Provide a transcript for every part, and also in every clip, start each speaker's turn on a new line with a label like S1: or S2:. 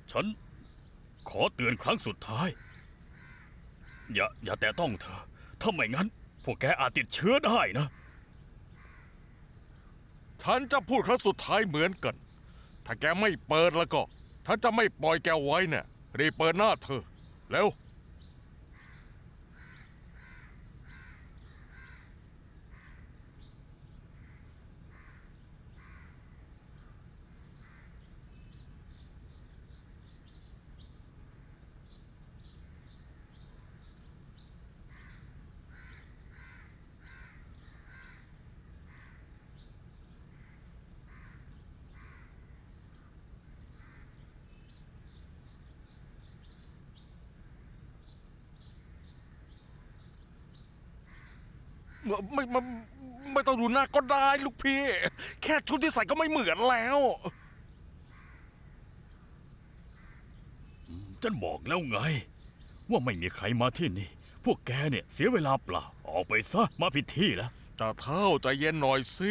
S1: ฉันขอเตือนครั้งสุดท้ายอย่าแตะต้องเธอถ้าไม่งั้นพวกแกอาจติดเชื้อได้นะ
S2: ฉันจะพูดครั้งสุดท้ายเหมือนกันถ้าแกไม่เปิดแล้วก็ฉันจะไม่ปล่อยแกไว้เนี่ยรีบเปิดหน้าเธอแล้ว ไม่ต้องดูหน้าก็ได้ลูกพี่แค่ชุดที่ใส่ก็ไม่เหมือนแล้ว
S1: ฉันบอกแล้วไง ว่าไม่มีใครมาที่นี่ พวกแกเนี่ยเสียเวลาเปล่าออกไปซะมาผิดที่แล้ว
S2: จ่าเท่าใจเย็นหน่อยสิ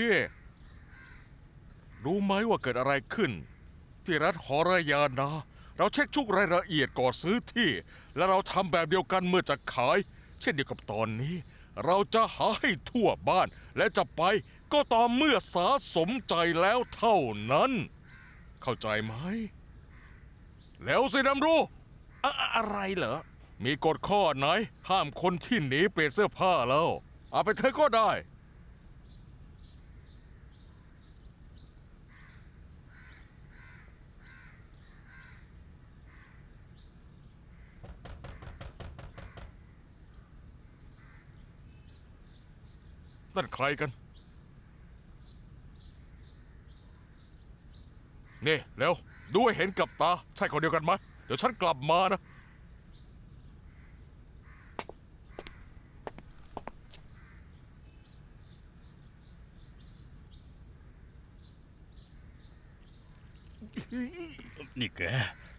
S2: รู้ไหมว่าเกิดอะไรขึ้น ที่รัฐหอรายานาเราเช็คทุกรายละเอียดก่อนซื้อที่ และเราทำแบบเดียวกันเมื่อจะขาย เช่นเดียวกับตอนนี้ เราจะหาให้ทั่วบ้าน และจะไปก็ต่อเมื่อสาสมใจแล้วเท่านั้น เข้าใจไหมแล้วสิดำรู้อะไรเหรอมีกฎข้อไหนห้ามคนที่หนีเปลี่ยนเสื้อผ้าแล้วเอาไปเธอก็ได้นั่นใครกันนี่เร็วดูให้เห็นกับตาใช่คนเดียวกันไหมเดี๋ยวฉันกลับมานะ
S1: นี่แก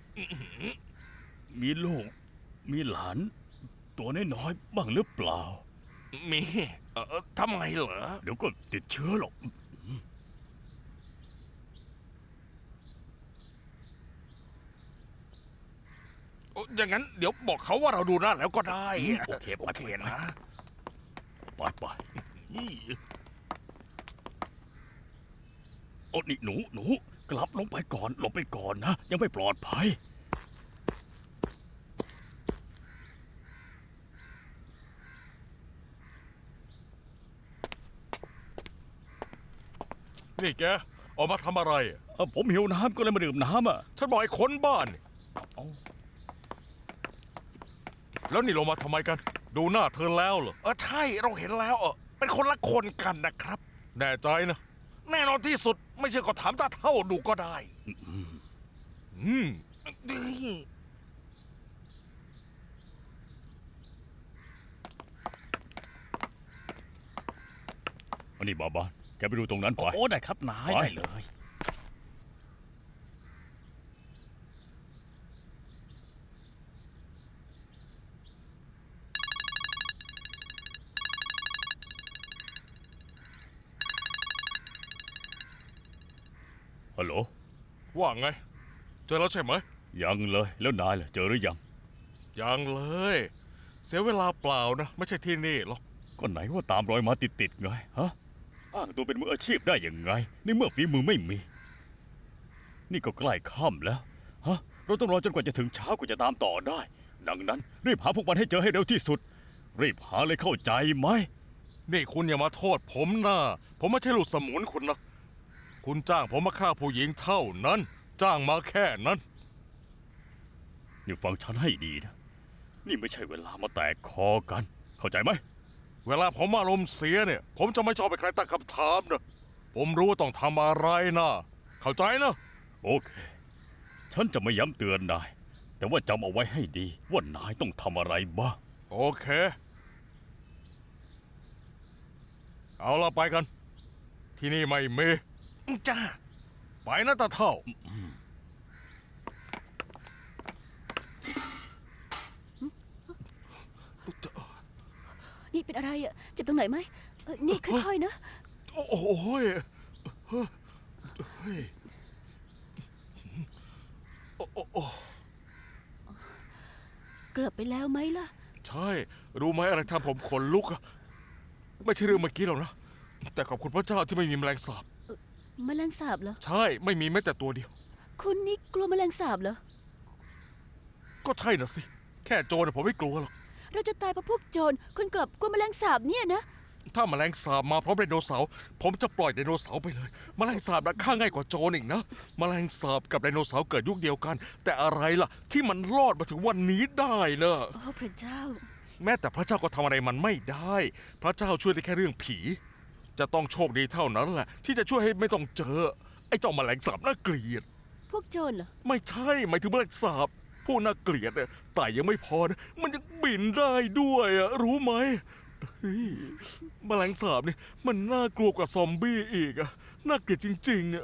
S1: มีลูก มีหลาน ตัวน้อยๆบ้างหรือเปล่า
S2: มีทำไมเหรอ
S1: เดี๋ยวก็ติดเชื้อหรอก
S2: อย่างนั้นเดี๋ยวบอกเขาว่าเราดูหน้าแล้วก็ได้
S1: โอเคไป
S2: โอเคนะ
S1: ไปโอ้นี่หนูกลับลงไปก่อนหลบไปก่อนนะ ยังไม่ปลอดภัย
S2: นี่แกออกมาทำอะไร
S1: ผมหิวน้ำก็เลยมาดื่มน้ำอ่ะ
S2: ฉันบอกให้ค้นบ้าน
S1: เอา
S2: แล้วนี่ลงมาทำไมกัน ดูหน้าเธอแล้วเหรอใช่เราเห็นแล้วเป็นคนละคนกันนะครับแน่ใจนะแน่นอนที่สุดไม่เชื่อก็ถามตาเท่าดูก็ได้ดี
S1: อันนี้บาบานแกไปดูตรงนั้นไป
S3: โอ้ได้ครับนาย
S1: ไป
S3: ได้เลย
S1: ฮัลโหล
S2: ว่าไง เจอแล้วใช่ไหม
S1: ยังเลยแล้วนายล่ะเจอหรือยัง
S2: ยังเลย เสียเวลาเปล่านะ ไม่ใช่ที่นี่หรอก
S1: ก็ไหนว่าตามรอยมาติดไงฮะอ้างตัวเป็นมืออาชีพได้ยังไงในเมื่อฝีมือไม่มี นี่ก็ใกล้ค่ำแล้วฮะเราต้องรอจนกว่าจะถึงเช้ากว่าจะตามต่อได้ ดังนั้นรีบหาพวกมันให้เจอให้เร็วที่สุด รีบหาเลยเข้าใจไหม
S2: นี่คุณอย่ามาโทษผมนะผมไม่ใช่ลูกสมุนคุณนะ คุณจ้างผมมาฆ่าผู้หญิงเท่านั้น จ้างมาแค่นั้น
S1: นี่ฟังฉันให้ดีนะ นี่ไม่ใช่เวลามาแตกคอกัน เข้าใจไหม
S2: เวลาผมอารมณ์เสียเนี่ย ผมจะไม่ชอบให้ใครตั้งคำถามนะผมรู้ว่าต้องทำอะไรนะ เข้าใจนะ
S1: โอเค ฉันจะไม่ย้ำเตือนนาย แต่ว่าจำเอาไว้ให้ดีว่านายต้องทำอะไรบ้าง
S2: โอเค เอาละไปกัน ที่นี่ไม่มีจ้า ไปนะตาเท่า
S4: นี่เป็นอะไรอ่ะเจ็บตรงไหนไหมนี่ค่อยๆนะ
S2: โอ้ยเฮ้ยโอ้
S4: เกือบไปแล้วไหมล่ะ
S2: ใช่ รู้ไหมอะไรทำผมขนลุกอะไม่ใช่เรื่องเมื่อกี้หรอกนะ แต่ขอบคุณพระเจ้าที่ไม่มีแมลงสาบ
S4: แมลงสาบเหรอ
S2: ใช่ ไม่มีแม้แต่ตัวเดียว
S4: คุณนี่กลัวแมลงสาบเหรอ
S2: ก็ใช่น่ะสิ แค่โจรน่ะผมไม่กลัวหรอก
S4: เราจะตายเพราะพวกโจรคุณกลับกลัวแมลงสาบเนี่ยนะ
S2: ถ้าแมลงสาบมาพร้อมไดโนเสาร์ผมจะปล่อยไดโนเสาร์ไปเลย แมลงสาบน่ะฆ่าง่ายกว่าโจรอีกนะ แมลงสาบกับไดโนเสาร์เกิดยุคเดียวกัน แต่อะไรล่ะ ที่มันรอดมาถึงวันนี้ได้เนอะ
S4: โอ้พระเจ้า
S2: แม้แต่พระเจ้าก็ทำอะไรมันไม่ได้ พระเจ้าช่วยได้แค่เรื่องผี จะต้องโชคดีเท่านั้นแหละ ที่จะช่วยให้ไม่ต้องเจอ ไอ้เจ้าแมลงสาบน่าเกลียด
S4: พวกโจรเหรอ
S2: ไม่ใช่หมายถึงแมลงสาบพวกน่าเกลียดเนี่ยแต่ยังไม่พอนะมันยังบินได้ด้วยอะรู้ไหมเฮ้ยแมลงสาบเนี่ยมันน่ากลัวกว่าซอมบี้อีกอะน่าเกลียดจริงๆอะ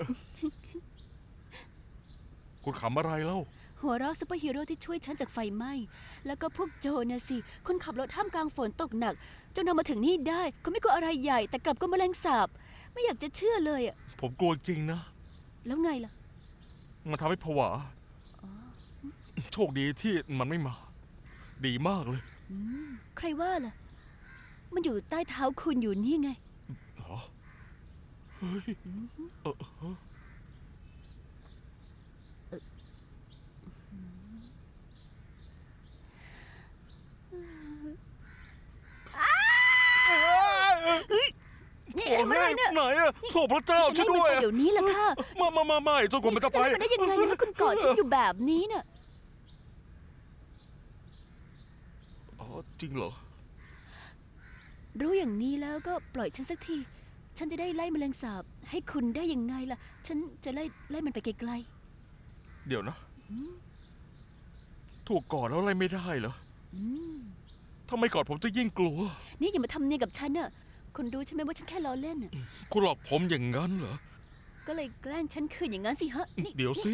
S2: คุณขำอะไรเล่า
S4: หัวเราะซูเปอร์ฮีโร่ที่ช่วยฉันจากไฟไหม้ แล้วก็พวกโจรนะสิ คุณขับรถท่ามกลางฝนตกหนัก จนเรามาถึงนี่ได้คุณไม่กลัวอะไรใหญ่ แต่กลับกลัวแมลงสาบ ไม่อยากจะเชื่อเลยอะ
S2: ผมกลัวจริงนะ
S4: แล้วไงล่ะ
S2: มันทำให้ผวา โชคดีที่มันไม่มา ดีมากเลย
S4: ใครว่าล่ะ มันอยู่ใต้เท้าคุณอยู่นี่ไง
S2: เหรอเฮ้ยฮะ
S4: นี่
S2: โอ้
S4: ทำอะไรเนี่ย
S2: ไหนอะโทษพระเจ้า
S4: จะ
S2: ช่วย
S4: ให้
S2: ด้วย
S4: มันไปเดี๋ยวนี้ล่ะค่ะ
S2: ไม่จนกว่ามันจะไป
S4: ให้มันได้ยังไงเนี่ยคุณกอดฉันอยู่แบบนี้น่ะ
S2: อ๋อจริงเหรอ
S4: รู้อย่างนี้แล้วก็ปล่อยฉันสักที ฉันจะได้ไล่แมลงสาบ ให้คุณได้ยังไงล่ะ ฉันจะไล่มันไปไกล
S2: เดี๋ยวนะ ถูกกอดแล้วอะไรไม่ได้เหรอ
S4: ๆอืม
S2: ถ้าไม่กอดผมจะยิ่งกลัว
S4: นี่อย่ามาทำเนียนกับฉันน่ะคุณรู้ใช่ไหมว่าฉันแค่ล้อเล่นน่ะ
S2: คุณหลอกผมอย่างนั้นเหรอ
S4: ก็เลยแกล้งฉันคืนอย่างนั้นสิฮะนี่
S2: เดี๋ยวสิ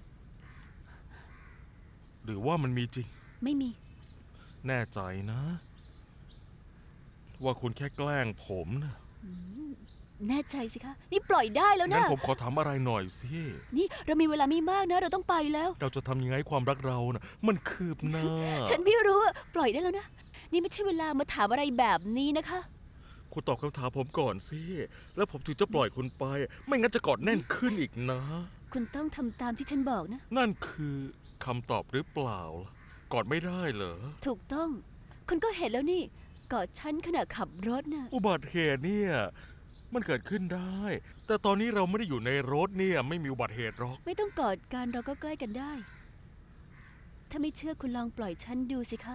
S2: หรือว่ามันมีจริง
S4: ไม่มี
S2: แน่ใจนะ ว่าคุณแค่แกล้งผมนะ
S4: แน่ใจสิคะ นี่ปล่อยได้แล้ว
S2: งั้น
S4: นะ
S2: ผมขอถามอะไรหน่อยสิ
S4: นี่เรามีเวลาไม่มากนะ เราต้องไปแล้ว
S2: เราจะทำยังไงให้ความรักเรานะมันคืบหน้า
S4: ฉันไม่รู้อะปล่อยได้แล้วนะ นี่ไม่ใช่เวลามาถามอะไรแบบนี้นะคะ
S2: คุณตอบคำถามผมก่อนสิ แล้วผมถึงจะปล่อยคุณไป ไม่งั้นจะกอดแน่นขึ้นอีกนะ
S4: คุณต้องทำตามที่ฉันบอกนะ
S2: นั่นคือคำตอบหรือเปล่าล่ะกอดไม่ได้เหรอ
S4: ถูกต้อง คุณก็เห็นแล้วนี่กอดฉันขณะขับรถน่ะ
S2: อุบัติเหตุเนี่ยมันเกิดขึ้นได้ แต่ตอนนี้เราไม่ได้อยู่ในรถเนี่ยไม่มีอุบัติเหตุหรอก
S4: ไม่ต้องกอดกันเราก็ใกล้กันได้ ถ้าไม่เชื่อคุณลองปล่อยฉันดูสิคะ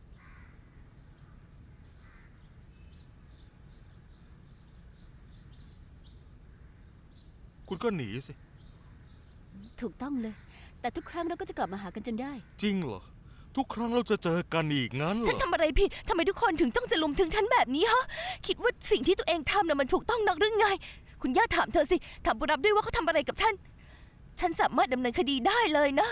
S2: คุณก็หนีสิ
S4: ถูกต้องเลย แต่ทุกครั้งเราก็จะกลับมาหากันจนได้
S2: จริงเหรอ ทุกครั้งเราจะเจอกันอีกงั้นเหร
S3: ฉัน
S2: อ
S3: ทำอะไรผิด ทำไมทุกคนถึงจ้องจะลุมถึงฉันแบบนี้ฮะ คิดว่าสิ่งที่ตัวเองทำน่ะมันถูกต้องนักหรือไง คุณย่าถามเธอสิ ถามบุรับด้วยว่าเขาทำอะไรกับฉัน ฉันสามารถดำเนินคดีได้เลยนะ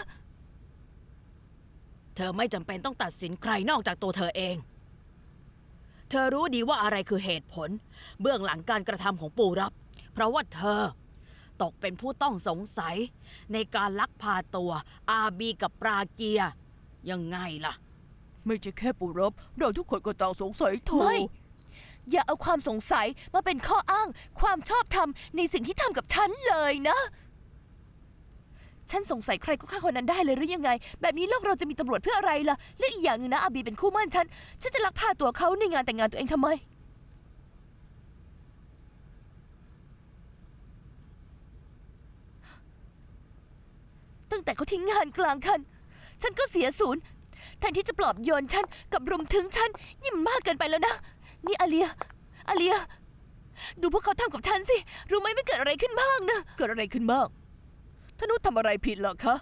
S5: เธอไม่จำเป็นต้องตัดสินใครนอกจากตัวเธอเอง เธอรู้ดีว่าอะไรคือเหตุผล เบื้องหลังการกระทำของปู่รับ เพราะว่าเธอ ตกเป็นผู้ต้องสงสัย ในการลักพาตัวอาบีกับปราเกีย ยังไงล่ะ
S3: ไม่ใช่แค่ปุรับ เราทุกคนก็ต่างสงสัยเธอ
S5: ไม่
S3: อย่าเอาความสงสัยมาเป็นข้ออ้าง ความชอบธรรมในสิ่งที่ทำกับฉันเลยนะ ฉันสงสัยใครก็ฆ่าคนนั้นได้เลยหรือยังไง แบบนี้โลกเราจะมีตำรวจเพื่ออะไรล่ะ และอีกอย่างหนึงนะอาบีเป็นคู่หมั่นฉันจะลักพาตัวเขาในงานแต่งงานตัวเองทำไม ตั้งแต่เขาทิ้งงานกลางคัน ฉันก็เสียศูนย์แทนที่จะปลอบโยนฉันกับรุมถึงฉันนี่มันมากเกินไปแล้วนะ นี่อาเลีย ดูพวกเขาทำกับฉันสิ รู้ไหมมันเกิดอะไรขึ้นบ้างนะ เกิดอะไรขึ้นบ้างท่านุชทำอะไรผิดเหรอคะ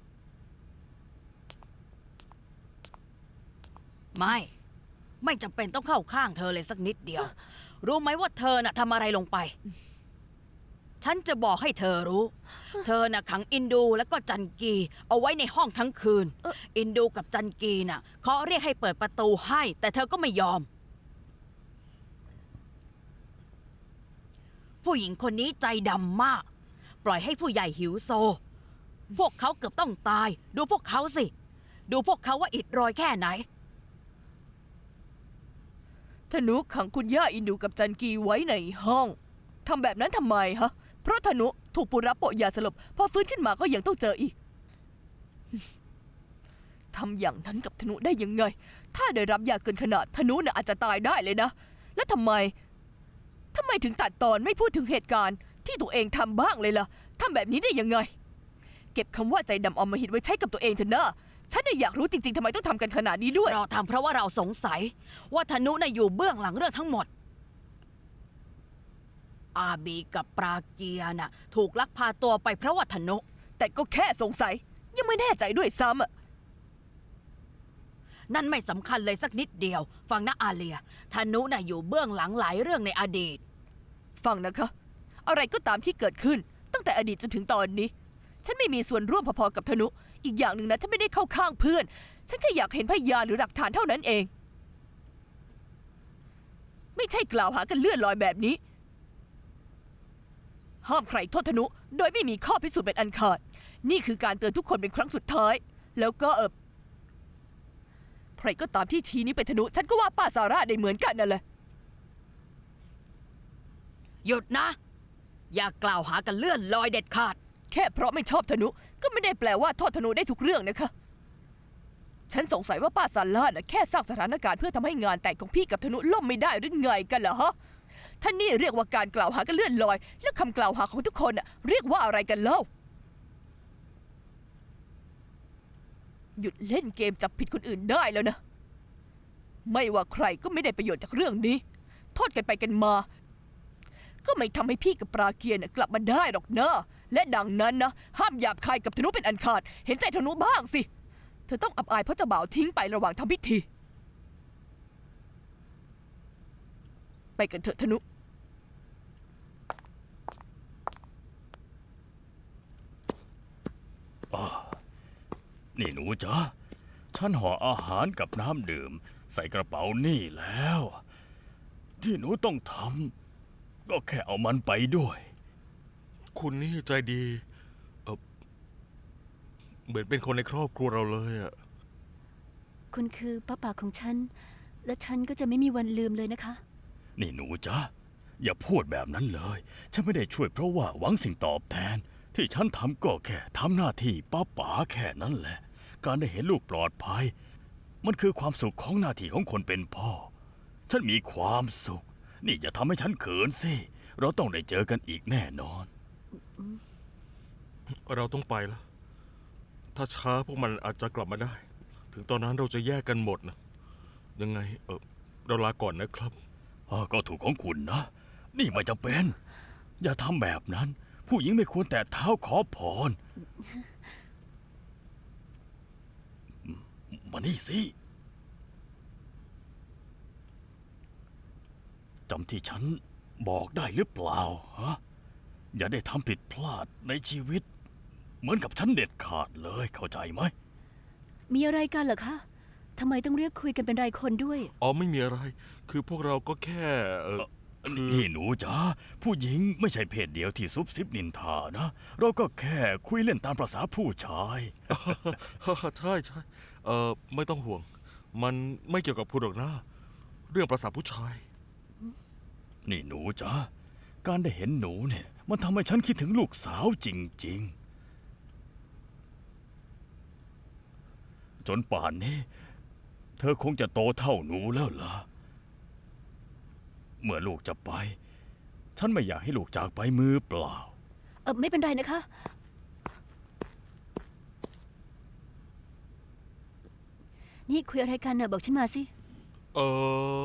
S5: ไม่จำเป็นต้องเข้าข้างเธอเลยสักนิดเดียว รู้ไหมว่าเธอน่ะทำอะไรลงไป ฉันจะบอกให้เธอรู้ เธอน่ะขังอินดูแล้วก็จันกีเอาไว้ในห้องทั้งคืน อินดูกับจันกีน่ะเขาเรียกให้เปิดประตูให้ แต่เธอก็ไม่ยอม ผู้หญิงคนนี้ใจดำมาก ปล่อยให้ผู้ใหญ่หิวโซ พวกเขาเกือบต้องตาย ดูพวกเขาสิดูพวกเขาว่าอิดโรยแค่ไหน
S3: ธนุขังคุณย่าอินดูกับจันกีไว้ในห้องทำแบบนั้นทำไมฮะ เพราะธนุถูกปุระโปะยาสลบพอฟื้นขึ้นมาก็ยังต้องเจออีก ทำอย่างนั้นกับธนุได้ยังไง ถ้าได้รับยาเกินขนาดธนุน่ะอาจจะตายได้เลยนะ แล้วทำไมถึงตัดตอนไม่พูดถึงเหตุการณ์ที่ตัวเองทำบ้างเลยล่ะทำแบบนี้ได้ยังไง เก็บคำว่าใจดำอำมหิตไว้ใช้กับตัวเองเถอะนะฉันน่ะอยากรู้จริงๆทำไมต้องทำกันขนาดนี้ด้วย
S5: เราทำเพราะว่าเราสงสัยว่าธนุน่ะอยู่เบื้องหลังเรื่องทั้งหมด อาบีกับปราเกียน่ะถูกลักพาตัวไปเพราะว่าธนุ
S3: แต่ก็แค่สงสัย ยังไม่แน่ใจด้วยซ้ำอะ
S5: นั่นไม่สำคัญเลยสักนิดเดียว ฟังนะอาเลียธนุน่ะอยู่เบื้องหลังหลายเรื่องในอดีต
S3: ฟังนะคะ อะไรก็ตามที่เกิดขึ้น ตั้งแต่อดีตจนถึงตอนนี้ ฉันไม่มีส่วนร่วมพอๆกับธนุ อีกอย่างหนึ่งนะฉันไม่ได้เข้าข้างเพื่อน ฉันแค่อยากเห็นพยานหรือหลักฐานเท่านั้นเอง ไม่ใช่กล่าวหากันเลื่อนลอยแบบนี้ ห้ามใครโทษธนุ โดยไม่มีข้อพิสูจน์เป็นอันขาด นี่คือการเตือนทุกคนเป็นครั้งสุดท้าย แล้วก็ใครก็ตามที่ชี้นี้เป็นธนุ ฉันก็ว่าป้าซาร่าได้เหมือนกันนั่นแหละ
S5: หยุดนะ อย่ากล่าวหากันเลื่อนลอยเด็ดขาด
S3: แค่เพราะไม่ชอบธนุก็ไม่ได้แปลว่าโทษธนุได้ทุกเรื่องนะคะ ฉันสงสัยว่าป้าซาร่าน่ะแค่สร้างสถานการณ์เพื่อทำให้งานแต่งของพี่กับธนุล่มไม่ได้หรือไงกันเหรอฮะท่านนี่เรียกว่าการกล่าวหากันเลื่อนลอย แล้วคำกล่าวหาของทุกคนน่ะเรียกว่าอะไรกันเล่า หยุดเล่นเกมจับผิดคนอื่นได้แล้วนะ ไม่ว่าใครก็ไม่ได้ประโยชน์จากเรื่องนี้ โทษกันไปกันมา ก็ไม่ทำให้พี่กับปราเกียร์น่ะกลับมาได้หรอกนะและดังนั้นนะห้ามหยาบคายกับธนุเป็นอันขาด เห็นใจธนุบ้างสิ เธอต้องอับอายเพราะเจ้าบ่าวทิ้งไประหว่างทำพิธี ไปกันเถอะธนุ
S1: นี่หนูจ๊ะฉันห่ออาหารกับน้ำดื่ม ใส่กระเป๋านี่แล้ว ที่หนูต้องทำก็แค่เอามันไปด้วย
S2: คุณนี่ใจดีเหมือนเป็นคนในครอบครัวเราเลยอะ
S4: คุณคือป้าป่าของฉัน และฉันก็จะไม่มีวันลืมเลยนะคะ
S1: นี่หนูจ๊ะอย่าพูดแบบนั้นเลย ฉันไม่ได้ช่วยเพราะว่าหวังสิ่งตอบแทน ที่ฉันทำก็แค่ทำหน้าที่ป้าป๋าแค่นั้นแหละ การได้เห็นลูกปลอดภัย มันคือความสุขของหน้าที่ของคนเป็นพ่อ ฉันมีความสุข นี่อย่าทำให้ฉันเขินสิ เราต้องได้เจอกันอีกแน่นอน
S2: เราต้องไปแล้ว ถ้าช้าพวกมันอาจจะกลับมาได้ ถึงตอนนั้นเราจะแยกกันหมดนะ ยังไงเราลาก่อนนะครับ
S1: ก็ถูกของคุณนะ นี่ไม่จำเป็น อย่าทำแบบนั้น ผู้หญิงไม่ควรแตะเท้าขอพร มานี่สิจำที่ฉันบอกได้หรือเปล่าฮะอย่าได้ทำผิดพลาดในชีวิต เหมือนกับฉันเด็ดขาดเลยเข้าใจไหม
S4: มีอะไรกันเหรอคะทำไมต้องเรียกคุยกันเป็นรายคนด้วย
S2: อ๋อไม่มีอะไร คือพวกเราก็แค่คือ
S1: นี่หนูจ๋าผู้หญิงไม่ใช่เพศเดียวที่ซุบซิบนินทานะ เราก็แค่คุยเล่นตามประษาผู้ชาย
S2: ใช่ใช่ไม่ต้องห่วง มันไม่เกี่ยวกับคุณหรอกนะ เรื่องประสาผู้ชาย
S1: นี่หนูจ๋าการได้เห็นหนูเนี่ย มันทำให้ฉันคิดถึงลูกสาวจริงๆ จนป่านนี้ เธอคงจะโตเท่าหนูแล้วล่ะ เมื่อลูกจะไป ฉันไม่อยากให้ลูกจากไปมือเปล่า
S4: ไม่เป็นไรนะคะ นี่คุยอะไรกันน่ะบอกฉันมาสิ
S2: เออ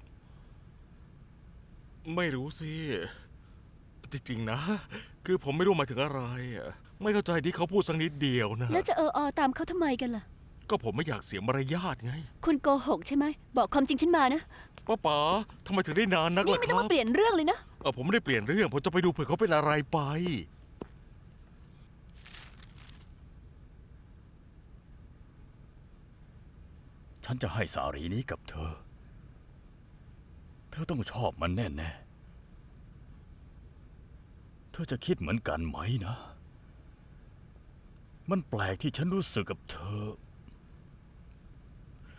S2: ไม่รู้สิ จริงๆนะ คือผมไม่รู้หมายถึงอะไรอะไม่เข้าใจที่เขาพูดสักนิดเดียวนะ
S4: แล้วจะตามเขาทำไมกันล่ะ
S2: ก็ผมไม่อยากเสียมารยาทไง
S4: คุณโกหกใช่ไหม บอกความจริงฉันมานะ
S2: ป้าป๋าทำไมถึงได้นานนัก
S4: นี่
S2: ล่ะ
S4: ไม่
S2: ค
S4: ต้อง
S2: รับ
S4: มาเปลี่ยนเรื่องเลยนะ
S2: ผมไม่ได้เปลี่ยนเรื่อง ผมจะไปดูเผื่อเขาเป็นอะไรไป
S1: ฉันจะให้สารีนี้กับเธอ เธอต้องชอบมันแน่ๆ เธอจะคิดเหมือนกันไหมนะ มันแปลกที่ฉันรู้สึกกับเธอ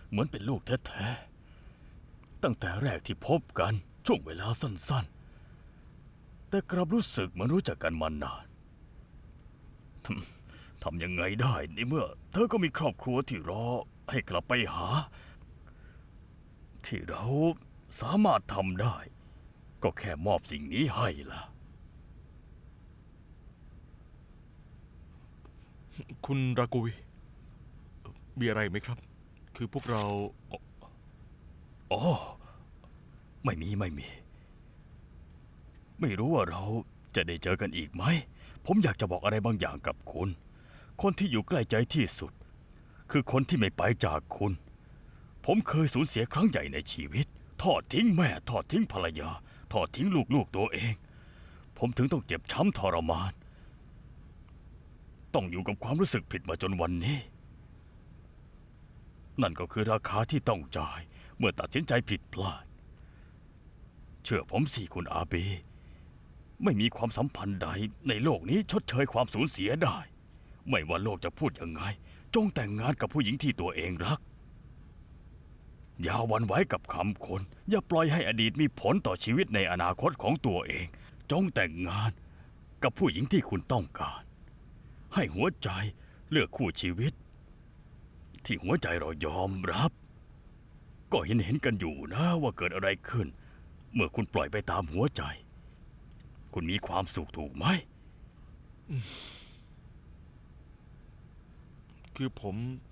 S1: เหมือนเป็นลูกแท้ๆตั้งแต่แรกที่พบกันช่วงเวลาสั้นๆ แต่กลับรู้สึกเหมือนรู้จักกันมานานทำยังไงได้ในเมื่อ เธอก็มีครอบครัวที่รอให้กลับไปหา ที่เราสามารถทำได้ ก็แค่มอบสิ่งนี้ให้ล่ะ
S2: คุณรากุย มีอะไรไหมครับ คือพวกเรา
S1: อ๋อ ไม่มี ไม่รู้ว่าเราจะได้เจอกันอีกไหม ผมอยากจะบอกอะไรบางอย่างกับคุณ คนที่อยู่ใกล้ใจที่สุด คือคนที่ไม่ไปจากคุณ ผมเคยสูญเสียครั้งใหญ่ในชีวิต ทอดทิ้งแม่ ทอดทิ้งภรรยา ทอดทิ้งลูกๆตัวเอง ผมถึงต้องเจ็บช้ำทรมาน ต้องอยู่กับความรู้สึกผิดมาจนวันนี้ นั่นก็คือราคาที่ต้องจ่ายเมื่อตัดสินใจผิดพลาด เชื่อผมสิคุณอาเบ ไม่มีความสัมพันธ์ใดในโลกนี้ชดเชยความสูญเสียได้ ไม่ว่าโลกจะพูดยังไง จงแต่งงานกับผู้หญิงที่ตัวเองรัก อย่าหวั่นไหวกับคำคน อย่าปล่อยให้อดีตมีผลต่อชีวิตในอนาคตของตัวเอง จงแต่งงานกับผู้หญิงที่คุณต้องการ ให้หัวใจเลือกคู่ชีวิต ที่หัวใจเรายอมรับ ก็เห็นกันอยู่นะว่าเกิดอะไรขึ้น เมื่อคุณปล่อยไปตามหัวใจ คุณมีความสุขถูกไหม
S2: คือผม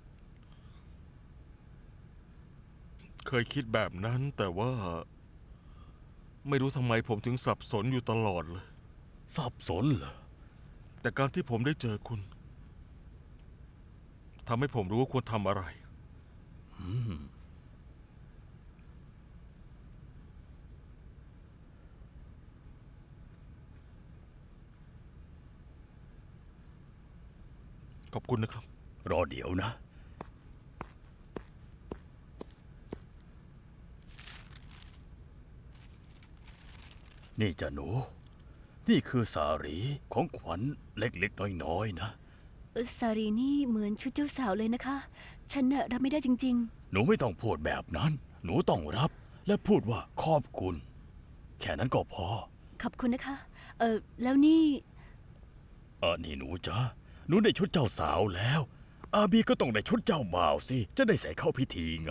S2: เคยคิดแบบนั้น แต่ว่า ไม่รู้ทำไมผมถึงสับสนอยู่ตลอดเลย
S1: สับสนเหรอ
S2: แต่การที่ผมได้เจอคุณทำให้ผมรู้ว่าควรทำอะไร ขอบคุณนะครับ
S1: รอเดี๋ยวนะ นี่จ้ะหนู นี่คือสารีของขวัญเล็กๆน้อยๆนะ
S4: สารีนี่เหมือนชุดเจ้าสาวเลยนะคะ ฉันน่ะรับไม่ได้จริง
S1: หนูไม่ต้องพูดแบบนั้น หนูต้องรับและพูดว่าขอบคุณ แค่นั้นก็พอ
S4: ๆ ขอบคุณนะคะ แล้วนี่
S1: นี่หนูจ๊ะ หนูได้ชุดเจ้าสาวแล้ว อาบีก็ต้องได้ชุดเจ้าบ่าวสิ จะได้ใส่เข้าพิธีไง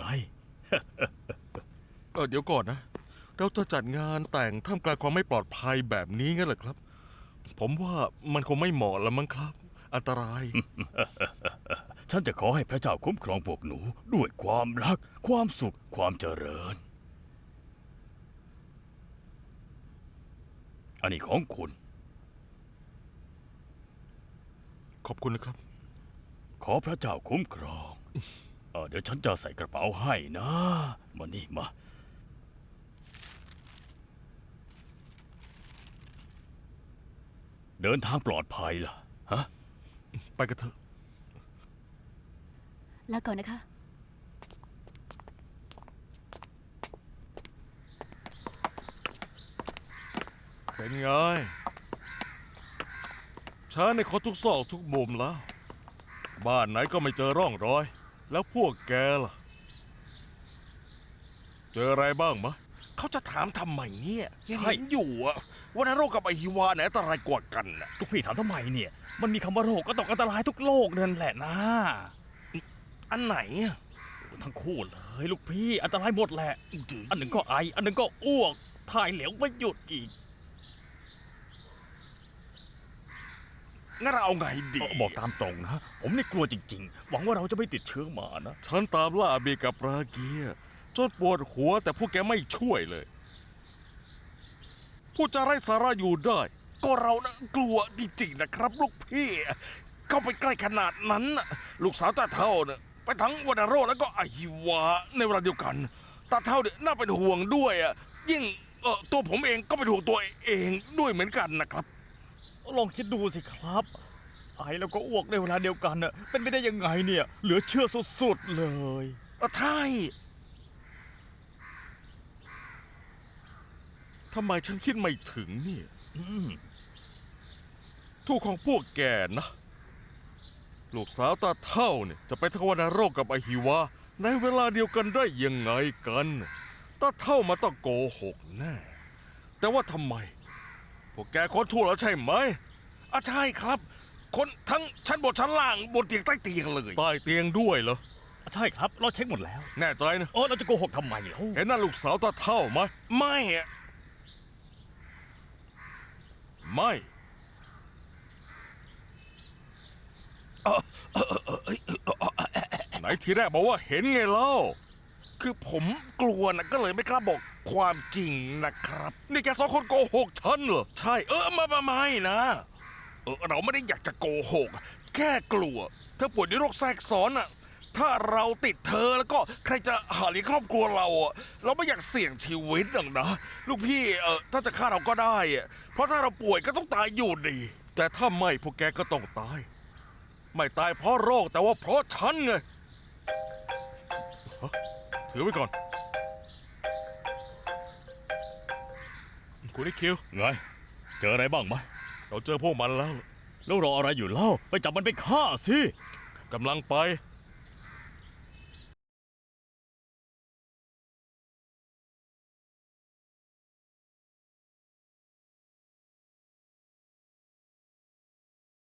S2: เดี๋ยวก่อนนะ เราจะจัดงานแต่งท่ามกลางความไม่ปลอดภัยแบบนี้งั้นเหรอครับ ผมว่ามันคงไม่เหมาะแล้วมั้งครับ อันตราย
S1: ฉันจะขอให้พระเจ้าคุ้มครองพวกหนูด้วยความรัก ความสุข ความเจริญ อันนี้ของคุณ
S2: ขอบคุณนะครับ
S1: ขอพระเจ้าคุ้มครอง เดี๋ยวฉันจะใส่กระเป๋าให้นะ มานี่มา เดินทางปลอดภัยล่ะ ฮะ
S2: ไปกันเถอะ
S4: ลาก่อนนะคะ
S2: เป็นไง ฉันในขอทุกซอกทุกมุมแล้ว บ้านไหนก็ไม่เจอร่องรอย แล้วพวกแกล่ะ เจออะไรบ้างมะ
S6: เขาจะถามทำไมเนี่ยยัง
S1: ใช่
S6: เห็นอยู่อะว่านโรคกับไอฮิวาไหนอันตรายกว่ากันน่ะ
S1: ลูกพี่ถามทำไมเนี่ย มันมีคำว่าโรคก็ต้องอันตรายทุกโรคนั่นแหละนะ
S6: อันไหนอะ
S1: ทั้งคู่เลยลูกพี่อันตรายหมดแหละ
S6: ดื้
S1: อันหนึ่งก็ไอ อันหนึ่งก็อ้วก ถ่ายเหลวไม่หยุดอีก
S6: งั้นเราเอาไงดี
S1: บอกตามตรงนะ ผมนี่กลัวจริงๆ หวังว่าเราจะไม่ติดเชื้อมานะ
S2: ฉันตามล่าอาเบกับราเกียจนปวดหัวแต่พวกแกไม่ช่วยเลย พูดจาไร้สาระอยู่ได้
S6: ก็เรานะกลัวจริงๆนะครับ ลูกพี่ เข้าไปใกล้ขนาดนั้นน่ะลูกสาวตาเท่าเนี่ยไปทั้งวันโรคแล้วก็ไอฮิวาในเวลาเดียวกันตาเท่าเนี่ยน่าเป็นห่วงด้วยอะยิ่งตัวผมเองก็เป็นห่วงตัวเองด้วยเหมือนกันนะครับ
S1: ลองคิดดูสิครับ ไอแล้วก็อ้วกในเวลาเดียวกันน่ะเป็นไปได้ยังไงเนี่ย เหลือเชื่อสุดๆเลย
S6: ใช่
S2: ทำไมฉันคิดไม่ถึงเนี่ย
S1: อืม
S2: ถูกของพวกแกนะ ลูกสาวตาเท่าเนี่ยจะไปทวารโรคกับไอฮิวาในเวลาเดียวกันได้ยังไงกันตาเท่ามาต้องโกหกแน่แต่ว่าทำไมพวกแกคนทั่วแล้วใช่ไหม
S6: ใช่ครับ คนทั้งชั้นบนชั้นล่างบนเตียงใต้เตียงเลย
S2: ใต้เตียงด้วยเหรอ
S1: ใช่ครับ เราเช็คหมดแล้ว
S2: แน่ใจนะ
S1: โอ้เราจะโกหกทำไมเล่า
S2: เห็นหน้าลูกสาวตาเท่าไหม
S6: ไม่อะ
S2: ไม่ ไหนทีแรกบอกว่าเห็นไงเล่า
S6: คือผมกลัวนะก็เลยไม่กล้าบอกความจริงนะครับ
S2: นี่แกสองคนโกหกฉันเหรอ
S6: ใช่ไม่นะเราไม่ได้อยากจะโกหก แค่กลัวเธอป่วยด้วยโรคแทรกซ้อนอะถ้าเราติดเธอแล้วก็ใครจะหาเลี้ยงครอบครัวเราอะเราไม่อยากเสี่ยงชีวิตหรอกนะ ลูกพี่ถ้าจะฆ่าเราก็ได้อะเพราะถ้าเราป่วยก็ต้องตายอยู่ดี
S2: แต่ถ้าไม่พวกแกก็ต้องตาย ไม่ตายเพราะโรคแต่ว่าเพราะฉันไงฮะถือไว้ก่อน คุณนิคิว
S1: ไง เจออะไรบ้างไหม
S2: เราเจอพวกมันแล้ว
S1: แล้วรออะไรอยู่เล่า ไปจับมันไปฆ่าสิ
S2: กำลังไป